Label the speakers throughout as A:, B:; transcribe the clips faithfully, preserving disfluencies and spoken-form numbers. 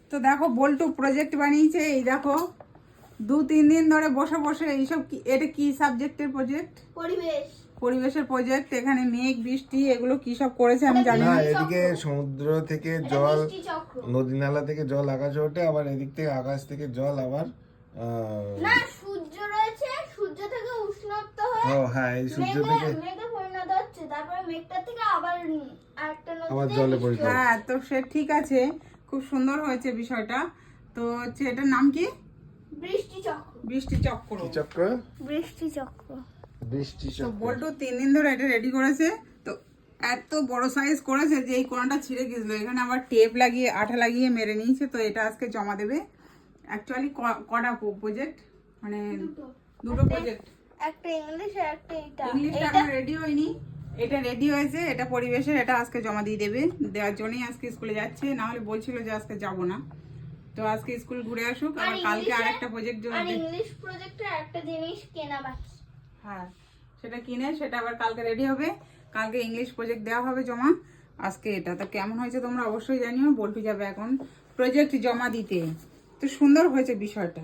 A: তো দেখো বল্টু প্রজেক্ট বানিয়েছে, এই দেখো দু তিন দিন ধরে বসে বসে এইসব কি, এটা কি সাবজেক্টের প্রজেক্ট?
B: পরিবেশ।
A: পরিবেশের প্রজেক্ট। এখানে মেঘ বৃষ্টি এগুলো কি সব করেছে আমি জানি
C: না,
A: না।
C: এদিকে সমুদ্র থেকে জল, নদী নালা থেকে জল আকাশে ওঠে, আবার এদিক থেকে আকাশ থেকে জল আবার আহ,
B: না সূর্য রয়েছে, সূর্য থেকে উষ্ণত্ব হয়ে
C: ও হ্যাঁ, এই সূর্য
B: মেঘে
C: থেকে
B: মেঘে পরিণত হচ্ছে, তারপরে মেঘটা থেকে আবার আরেকটা
C: আবার
B: নদীতে
C: জলে
B: বৃষ্টি
C: পরিণত
B: হচ্ছে।
A: হ্যাঁ, তো সে ঠিক আছে, খুব সুন্দর হয়েছে বিষয়টা। তো হচ্ছে এটার নাম কি?
B: বৃষ্টি চক্র।
A: বৃষ্টি চক্র।
C: কি চক্র?
B: বৃষ্টি চক্র।
C: বৃষ্টি
A: তো
C: চক্র।
A: বল্টু তিন দিন ধরে এটা রেডি করেছে। তো এত বড় সাইজ করেছে যে এই কোণাটা ছিঁড়ে গেছিল, এখানে আবার টেপ লাগিয়ে আঠা লাগিয়ে মেরে নিয়েছে। তো এটা আজকে জমা দেবে। অ্যাকচুয়ালি কটা প্রজেক্ট, মানে দুটো প্রজেক্ট।
B: একটা ইংলিশ আর একটা এটা।
A: ইংলিশটা
B: এটা
A: এখন রেডি হয়নি, এটা রেডি হয়েছে। এটা পরিবেশের, এটা আজকে জমা দিয়ে দেবে। দেওয়ার জন্যই আজকে স্কুলে যাচ্ছে, না হলে বলছিল যে আজকে যাব না। তো আজকে স্কুল ঘুরে আসুক,
B: আর
A: আবার কালকে
B: ইংলিশে-
A: আরেকটা প্রজেক্ট জমা
B: আর
A: দেবে।
B: ইংলিশ প্রজেক্টের একটা জিনিস কেনা বাকি।
A: হ্যাঁ, সেটা কিনে সেটা আবার কালকে রেডি হবে। কালকে ইংলিশ প্রজেক্ট দেওয়া হবে জমা। আজকে এটা তো কেমন হয়েছে তোমরা অবশ্যই জানিও। বল্টু যাবে এখন প্রজেক্ট জমা দিতে। তো সুন্দর হয়েছে বিষয়টা,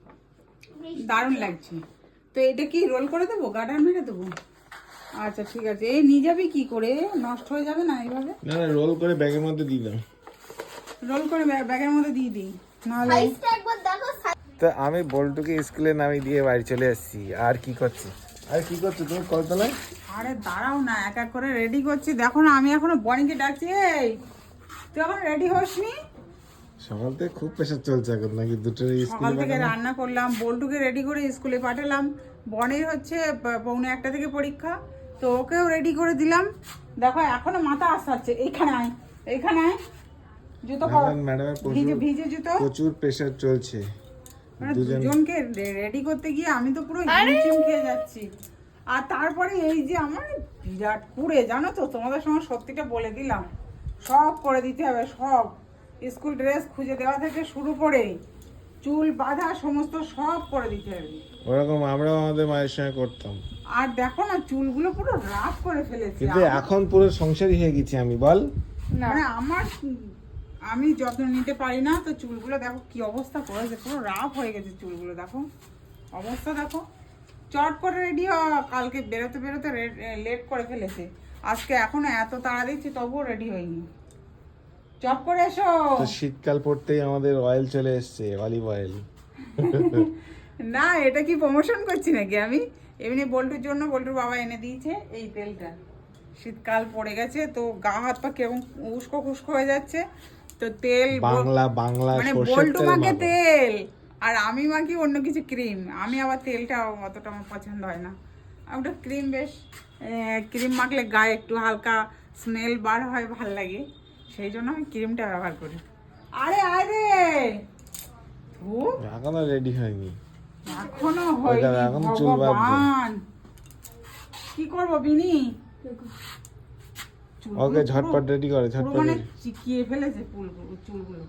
A: দারুণ লাগছে। তো এটা কি রোল করে দেবো, গার্ডার মেরে দেবো? আচ্ছা ঠিক আছে। এই নিয়ে যাবি কি করে, নষ্ট হয়ে যাবে না এইভাবে?
C: না না, রোল করে ব্যাগের মধ্যে দিয়ে দাও।
A: রোল করে ব্যাগ- ব্যাগের মধ্যে দিয়ে দিই, নাহলে
B: সাইজটা একবার দেখো।
C: তো আমি বল্টুকে স্কুলে নামিয়ে দিয়ে বাড়ি চলে এসেছি। আর কি করছি? আর কি করছো তুমি কলতলায়?
A: আরে দাঁড়াও না, এক এক করে রেডি করছি। দেখো না, আমি এখনো বনিকে ডাকছি। এই তুই এখন রেডি হসনি?
C: সকাল থেকে খুব প্রেশার চলছে এখন নাকি দুটোর
A: সকাল
C: স্কুলে
A: থেকে
C: পাঠানো?
A: রান্না করলাম, বল্টুকে রেডি করে স্কুলে পাঠালাম। বনির হচ্ছে প- পৌনে একটা থেকে পরীক্ষা, তো ওকেও রেডি করে দিলাম। দেখো এখনো মাথা আসাচ্ছে। এইখানে আয়, এইখানে আয়, জুতো পর,
C: এখন ম্যাডামের
A: ভিজে
C: প্রচুর
A: ভিজে জুতো।
C: প্রচুর প্রেশার চলছে।
A: মানে
C: দুজন
A: দুজনকে রেডি করতে গিয়ে আমি তো পুরো হিমশিম খেয়ে যাচ্ছি। আর তারপরে এই যে আমার বিরাট কুড়ে, জানো তো, তোমাদের সঙ্গে সত্যিটা বলে দিলাম, সব করে দিতে হবে সব। স্কুল ড্রেস খুঁজে দেওয়া থেকে শুরু করে চুল বাঁধা সমস্ত সব করে দিতে হবে।
C: ওরকম আমরাও আমাদের মায়ের সঙ্গে করতাম,
A: আর দেখো না চুলগুলো পুরো রাফ করে ফেলেছি।
C: কিন্তু এখন পুরো সংসারী হয়ে গেছি আমি, বল।
A: মানে আমার আমি যত্ন নিতে পারি না, তো চুলগুলো দেখো কি অবস্থা করেছে, পুরো রাফ হয়ে গেছে চুলগুলো। দেখো অবস্থা দেখো। চট করে রেডি হ, কালকে বেরোতে বেরোতে লেট করে ফেলেছে। আজকে এখনো এত তাড়া দিচ্ছি তবুও রেডি হয়নি। চট করে এসো।
C: তো শীতকাল পড়তেই আমাদের অয়েল চলে এসছে, অলিভ অয়েল।
A: না, এটা কি প্রমোশন করছি নাকি আমি? এমনি বল্টুর জন্য বল্টুর বাবা এনে দিয়েছে এই তেলটা। শীতকাল পড়ে গেছে তো গা হাত পা কেমন উস্কো খুস্কো হয়ে যাচ্ছে, তো তেল ব-
C: বাংলা বাংলা
A: মানে
C: সর্ষের
A: বল্টু
C: তেল
A: মাখে
C: মাখো।
A: তেল, আর আমি মাখি অন্য কিছু ক্রিম। আমি আবার তেলটা অতটা আমার পছন্দ হয় না। ওটা ক্রিম বেশ, ক্রিম মাখলে গায়ে একটু হালকা স্মেল বার হয়, ভাল লাগে, সেই জন্য আমি ক্রিমটা ব্যবহার করি। আরে আয় রে, ধু,
C: এখনো রেডি হয়নি।
A: এখনো
C: ওই
A: হয়নি।
C: দেখো, এখন চুল বাঁধছে।
A: ভগবান, কি করবো বিনি? চুলগুলো
C: ওকে
A: পুরো-
C: ঝটপট রেডি করে,
A: পুরো
C: ঝটপট
A: মানে
C: ready।
A: চিকিয়ে ফেলেছে চুলগুলো চুলগুলো।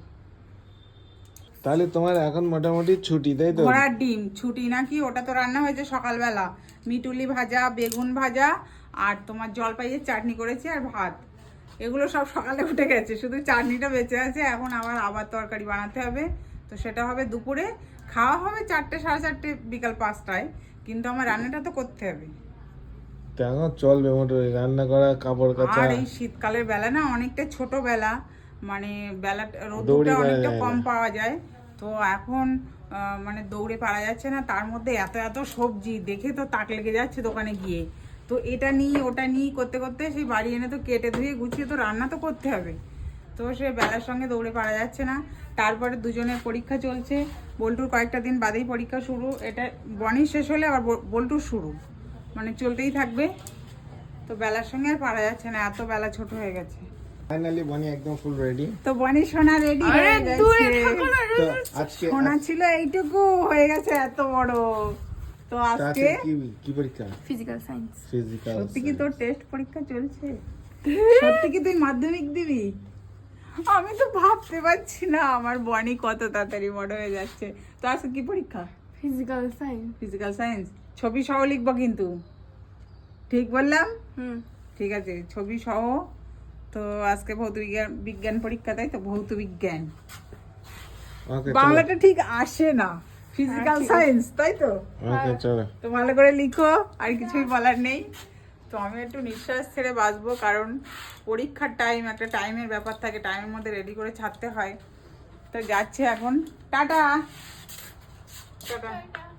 C: তাহলে তোমার এখন মোটামুটি ছুটি, তাই তো?
A: ঘোড়ার ডিম ছুটি নাকি? ওটা তো রান্না হয়েছে সকালবেলা, মিটুলি ভাজা, বেগুন ভাজা, আর তোমার জলপাইয়ের চাটনি করেছি, আর ভাত। এগুলো সব সকালে উঠে গেছে, শুধু চাটনিটা বেঁচে আছে। এখন আবার আবার তরকারি বানাতে হবে, তো সেটা হবে দুপুরে। খাওয়া হবে চারটে সাড়ে চারটে বিকাল পাঁচটায়, কিন্তু আমার রান্নাটা তো করতে হবে।
C: তো এখন চলবে মোটামুটি রান্না করা, কাপড় কাচা।
A: আর এই শীতকালের বেলা না অনেকটা ছোট বেলা, মানে বেলা
C: দৌড়ে
A: রোদটা
C: পারা
A: অনেকটা
C: যায়
A: কম
C: না।
A: পাওয়া যায়। তো এখন আহ, মানে দৌড়ে পারা যাচ্ছে না, তার মধ্যে এত এত সবজি দেখে তো তাক লেগে যাচ্ছে দোকানে গিয়ে। তো এটা নিই ওটা নিই করতে করতে সেই বাড়ি এনে তো কেটে ধুয়ে গুছিয়ে তো রান্না তো করতে হবে। তো সে বেলার সঙ্গে দৌড়ে পারা যাচ্ছে না। তারপরে দুজনের পরীক্ষা চলছে, বল্টুর কয়েকটা দিন বাদেই পরীক্ষা শুরু। এটা বনি শেষ হলে আবার বল- বল্টুর শুরু, মানে চলতেই থাকবে। তো বেলার সঙ্গে আর পারা যাচ্ছে না, এত বেলা ছোট হয়ে গেছে।
C: ফাইনালি বনি একদম ফুল রেডি।
A: তো বনি সোনা রেডি হয়ে গেছে।
C: তো আজকে
A: সোনা ছিল এইটুকু, হয়ে গেছে এত বড়। তো
C: তো
A: আজকে
C: আজকে কি কি পরীক্ষা?
B: Physical science.
C: ফিজিক্যাল।
A: সত্যি কি তোর টেস্ট পরীক্ষা চলছে? সত্যি কি তুই মাধ্যমিক দিবি? আমি তো ভাবতে পারছি না আমার বনি কত তাড়াতাড়ি বড় হয়ে যাচ্ছে। তো আজকে কি পরীক্ষা?
B: Physical science.
A: Physical science. ছবি সহ লিখবো কিন্তু, ঠিক বললাম?
B: হুম।
A: ঠিক আছে, ছবি সহ। তো আজকে ভৌত বিজ্ঞান বিজ্ঞান পরীক্ষা, তাই তো? ভৌত বিজ্ঞান।
C: ওকে
A: বাংলাটা ঠিক আসে না, ফিজিক্যাল সায়েন্স, তাই তো?
C: ওকে চলো।
A: তো ভালো করে লিখো, আর কিছুই বলার নেই। তো আমি একটু নিঃশ্বাস ছেড়ে বাঁচবো, কারণ পরীক্ষার টাইম, একটা টাইমের ব্যাপার থাকে, টাইমের মধ্যে রেডি করে ছাড়তে হয়। তো যাচ্ছে এখন, টাটা টাটা।